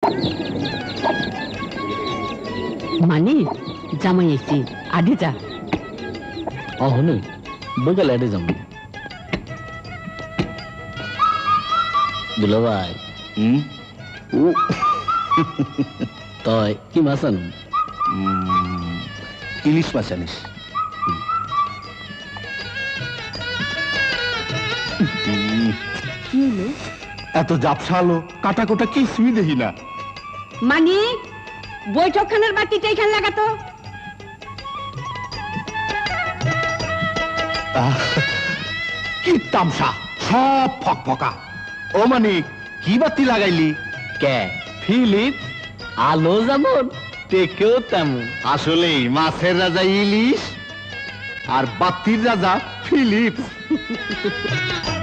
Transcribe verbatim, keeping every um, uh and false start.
মানে জামাই এসছি আগে যা। অহনে বইকালে আডে যাম। দুলা ভাই হুম ও তয় কি মাছ আনুন? ইলিশ মাছ আনিস। কি হলো? এত জাপসালো কাটা কোটা কিছুই দেখি না। মানে বৈঠকখানার বাতিটা এখানে লাগাতো। কি তামসা সব ফক ফকা। ও মানে কি বাতি লাগাইলি? কে ফিলিপ আলো যেমন টেকেও তেমন। আসলেই মাছের রাজা ইলিশ আর বাতির রাজা ফিলিপস।